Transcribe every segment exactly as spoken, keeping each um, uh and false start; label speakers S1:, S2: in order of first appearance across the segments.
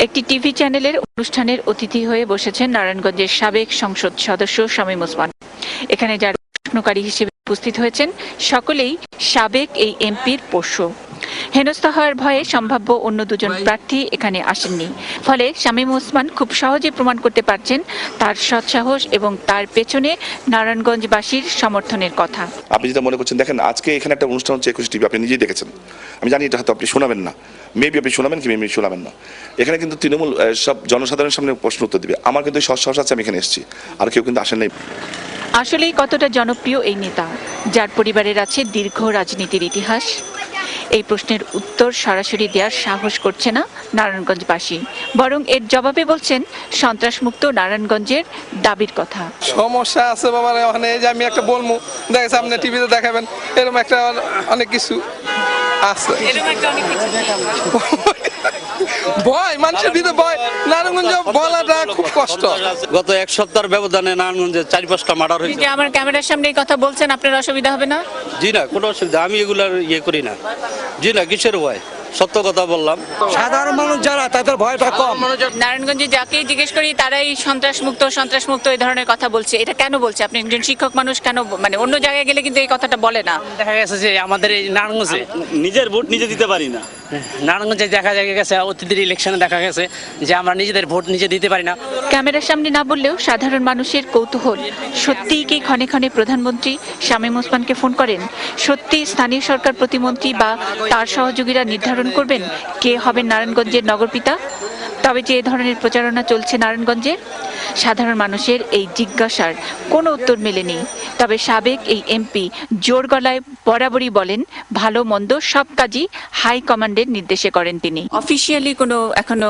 S1: একটি টিভি চ্যানেলের অনুষ্ঠানের অতিথি হয়ে বসেছেন নারায়ণগঞ্জের সাবেক সংসদ সদস্য শামীম ওসমান। এখানে যারা প্রশ্নকারী হিসেবে উপস্থিত হয়েছেন সকলেই সাবেক এই এমপির পোষ্য। হেনস্থা হওয়ার ভয়ে সম্ভাব্য অন্য দুজন প্রার্থী এখানে আসেননি। ফলে শামীম ওসমান খুব সহজে প্রমাণ করতে পারছেন তার সৎসাহস এবং তার পেছনে নারায়ণগঞ্জবাসীর সমর্থনের কথা।
S2: আপনি যেটা মনে করছেন, দেখেন আজকে এখানে একটা অনুষ্ঠান হচ্ছে একুশে টিভি, আপনি নিজেই দেখেছেন। আমি জানি এটা হয়তো আপনি শোনাবেন না, মেবি আপনি শোনাবেন কি মেবি শোনাবেন না। এখানে কিন্তু তৃণমূল সব জনসাধারণের সামনে প্রশ্ন উত্তর দিবে। আমার কিন্তু সৎসাহস আছে, আমি এখানে এসেছি, আর কেউ কিন্তু আসেন নাই।
S1: আসলেই কতটা জনপ্রিয় এই নেতা, যার পরিবারের আছে দীর্ঘ রাজনীতির ইতিহাস? এই প্রশ্নের উত্তর সরাসরি দেওয়ার সাহস করছে না নারায়ণগঞ্জবাসী, বরং এর জবাবে বলছেন সন্ত্রাসমুক্ত নারায়ণগঞ্জের দাবির কথা।
S3: সমস্যা আছে বাবা, ওখানে যে আমি একটা বলবো, দেখেছি আপনি টিভিতে দেখাবেন, এরকম একটা অনেক কিছু আছে। ভয় মানুষের ভিতরে ভয়, নারায়ণগঞ্জ বলাটা খুব কষ্ট।
S4: গত এক সপ্তাহের ব্যবধানে নারায়ণগঞ্জে চার পাঁচটা মার্ডার হয়েছে।
S1: যে আমার ক্যামেরার সামনে এই কথা বলছেন, আপনার অসুবিধা হবে না?
S4: জি না, কোনো অসুবিধা, আমি এগুলার ইয়ে করি না। জি না, কিসের ভয়? সত্য কথা বললাম।
S5: সাধারণ মানুষ যারা, তাদের ভয়টা কম।
S1: নারায়ণগঞ্জে যাকেই জিজ্ঞেস করি তারাই সন্ত্রাসমুক্ত সন্ত্রাসমুক্ত এই ধরনের কথা বলছে। এটা কেন বলছে? আপনি একজন শিক্ষক মানুষ, কেন মানে অন্য জায়গায় গেলে কিন্তু এই কথাটা বলে না?
S6: দেখা গেছে যে আমাদের এই নারায়ণগঞ্জে
S4: নিজের ভোট নিজে দিতে পারি না।
S6: নারায়ণগঞ্জে দেখা গেছে অতীতের ইলেকশনে দেখা গেছে যে আমরা নিজেদের ভোট নিজে দিতে পারি না।
S1: ক্যামেরার সামনে না বললেও সাধারণ মানুষের কৌতূহল, সত্যিই কি ক্ষণে ক্ষণে প্রধানমন্ত্রী শামীম ওসমানকে ফোন করেন? সত্যি স্থানীয় সরকার প্রতিমন্ত্রী বা তার সহযোগীরা নির্ধারণ করবেন কে হবেন নারায়ণগঞ্জের নগরপিতা? তবে যে এ ধরনের প্রচারণা চলছে নারায়ণগঞ্জে, সাধারণ মানুষের এই জিজ্ঞাসার কোনো উত্তর মেলেনি। তবে সাবেক এই এমপি জোর গলায় বরাবরই বলেন ভালো মন্দ সব কাজই হাই কমান্ডের নির্দেশে করেন তিনি। অফিসিয়ালি কোনো এখনো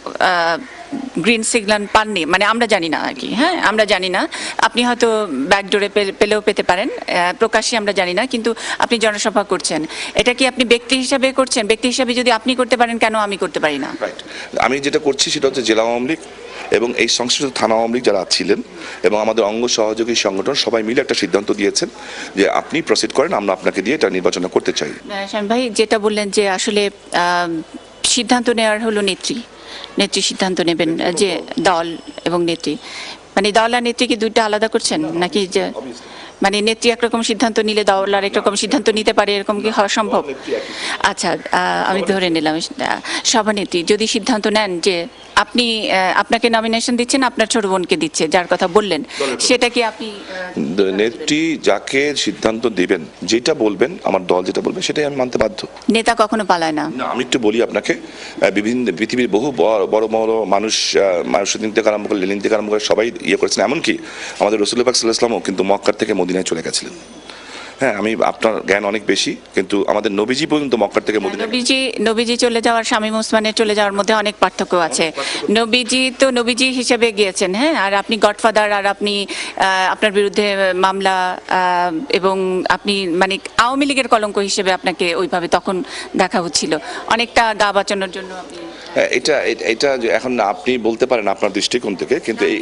S1: গ্রিন সিগন্যাল পাননি, মানে আমরা জানি না আর কি। হ্যাঁ, আমরা জানি না, আপনি হয়তো ব্যাকডোরে পেলেও পেতে পারেন, প্রকাশ্যে আমরা জানি না। কিন্তু আপনি জনসভা করছেন, এটা কি আপনি ব্যক্তি হিসাবে করছেন? ব্যক্তি হিসাবে যদি আপনি করতে পারেন, কেন আমি করতে পারি না?
S2: রাইট, আমি যেটা করছি সেটা হচ্ছে জেলা আওয়ামী লীগ এবং এই সংশ্লিষ্ট থানা আওয়ামী লীগ যারা ছিলেন এবং আমাদের অঙ্গ সহযোগী সংগঠন সবাই মিলে একটা সিদ্ধান্ত দিয়েছেন যে আপনি প্রসিড করেন, আমরা আপনাকে দিয়ে এটা নির্বাচন করতে চাই।
S1: শামীম ভাই যেটা বললেন যে আসলে সিদ্ধান্ত নেওয়ার হলো নেত্রী, নেত্রী সিদ্ধান্ত নেবেন, যে দল এবং নেত্রী, মানে দল আর নেত্রী কি দুইটা আলাদা করছেন নাকি? যে মানে নেত্রী একরকম সিদ্ধান্ত নিলে দল আর একরকম সিদ্ধান্ত নিতে পারে, এরকম কি হওয়া সম্ভব? আচ্ছা, আমি ধরে নিলাম সভানেত্রী যদি সিদ্ধান্ত নেন যে আপনি আপনাকে নমিনেশন দিচ্ছেন, আপনার ছোট বোনকে দিচ্ছে, যার কথা বললেন, সেটা কি আপনি?
S2: নেত্রী যাকে সিদ্ধান্ত দিবেন, যেটা বলবেন, আমার দল যেটা বলবে সেটাই আমি মানতে বাধ্য।
S1: নেতা কখনো পালায় না।
S2: আমি একটু বলি আপনাকে, বিভিন্ন পৃথিবীর বহু বড় বড় মানুষ, মানুষদিন থেকে আরম্ভ করে লেনিন থেকে আরম্ভ করে সবাই ইয়ে করেছেন। এমনকি আমাদের রাসূলুল্লাহ সাল্লাল্লাহু আলাইহি ওয়াসাল্লামও কিন্তু মক্কার থেকে মদিনায় চলে গেছিলেন। হ্যাঁ, আমি আপনার জ্ঞান অনেক বেশি, কিন্তু আমাদের নবীজি পর্যন্ত মক্কার থেকে মদিনা।
S1: নবীজি নবীজি চলে যাওয়ার শামীম ওসমানের চলে যাওয়ার মধ্যে অনেক পার্থক্য আছে। নবীজি তো নবীজি হিসেবে গিয়েছেন, হ্যাঁ, আর আপনি গডফাদার, আর আপনি আপনার বিরুদ্ধে মামলা এবং আপনি মানে আওয়ামী লীগের কলঙ্ক হিসেবে আপনাকে ওইভাবে তখন দেখা হচ্ছিল, অনেকটা গা বাঁচানোর জন্য।
S2: এটা এটা এখন আপনি বলতে পারেন আপনার দৃষ্টিকোণ থেকে, কিন্তু এই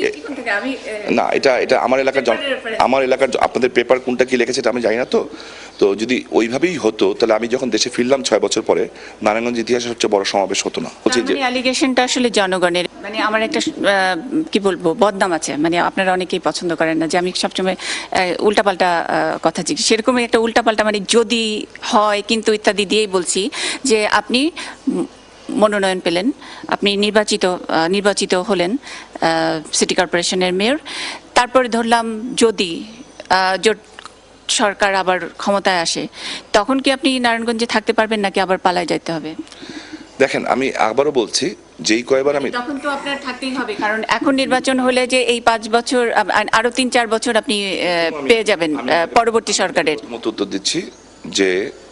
S2: না, এটা এটা আমার এলাকার আমার এলাকার আপনাদের পেপার কোনটা কি লিখেছে এটা আমি জানি না। তো তো যদি ওইভাবেই হতো তাহলে আমি যখন দেশে ফিরলাম ছয় বছর পরে, নারায়ণগঞ্জ ইতিহাসের সবচেয়ে বড় সমাবেশ হতো না। বলছি যে
S1: অ্যালিগেশনটা আসলে জনগণের, মানে আমার একটা কি বলবো বদনাম আছে, মানে আপনারা অনেকেই পছন্দ করেন না যে আমি সবসময় উল্টাপাল্টা কথা জিজ্ঞেস, সেরকমই একটা উল্টাপাল্টা মানে যদি হয় কিন্তু ইত্যাদি দিয়েই বলছি যে আপনি মনোনয়ন পেলেন, আপনি নির্বাচিত নির্বাচিত হলেন সিটি কর্পোরেশনের মেয়র, তারপরে ধরলাম যদি জোট সরকার আবার ক্ষমতায় আসে, তখন কি আপনি নারায়ণগঞ্জে থাকতে পারবেন নাকি আবার পালায় যেতে হবে?
S2: দেখেন, আমি আবারও বলছি, যেই কয়বার আমি
S1: তখন তো আপনার থাকতেই হবে, কারণ এখন নির্বাচন হলে যে এই পাঁচ বছর আরো তিন চার বছর আপনি পেয়ে যাবেন পরবর্তী সরকারের
S2: মতো উত্তর দিচ্ছি যে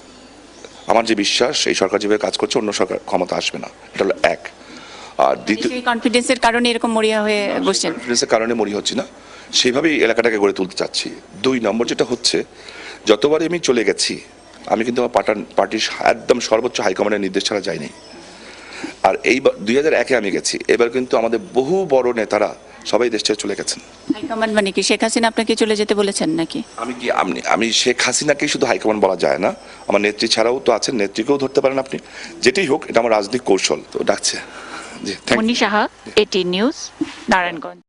S2: আমার যে বিশ্বাস, এই সরকার যেভাবে কাজ করছে অন্য সরকার ক্ষমতা আসবে না, এটা হলো এক। আর দ্বিতীয়,
S1: কনফিডেন্সের কারণে এরকম মরিয়া হয়ে বসছেন।
S2: কনফিডেন্সের কারণে মরি হচ্ছি না, সেইভাবেই এলাকাটাকে গড়ে তুলতে চাচ্ছি। দুই নম্বর যেটা হচ্ছে, যতবারই আমি চলে গেছি আমি কিন্তু আমার পার্টার পার্টির একদম সর্বোচ্চ হাইকমান্ডের নির্দেশ ছাড়া যাইনি। আর এইবার দুই হাজার একে আমি গেছি, এবার কিন্তু আমাদের বহু বড় নেতারা সবাই দেশ ছেড়ে চলে গেছেন।
S1: হাইকমান্ড মানে কি শেখ হাসিনা আপনাকে চলে যেতে বলেছেন নাকি?
S2: আমি কি আমি আমি শেখ হাসিনাকেই শুধু হাইকমান্ড বলা যায় না, আমার নেত্রী ছাড়াও তো আছেন, নেত্রীকেও ধরতে পারেন আপনি। যেটাই হোক, এটা আমার রাজনৈতিক কৌশল, তো ডাকছে। জি থ্যাংক
S1: মুন্নি সাহা, এটি নিউজ, নারায়ণগঞ্জ।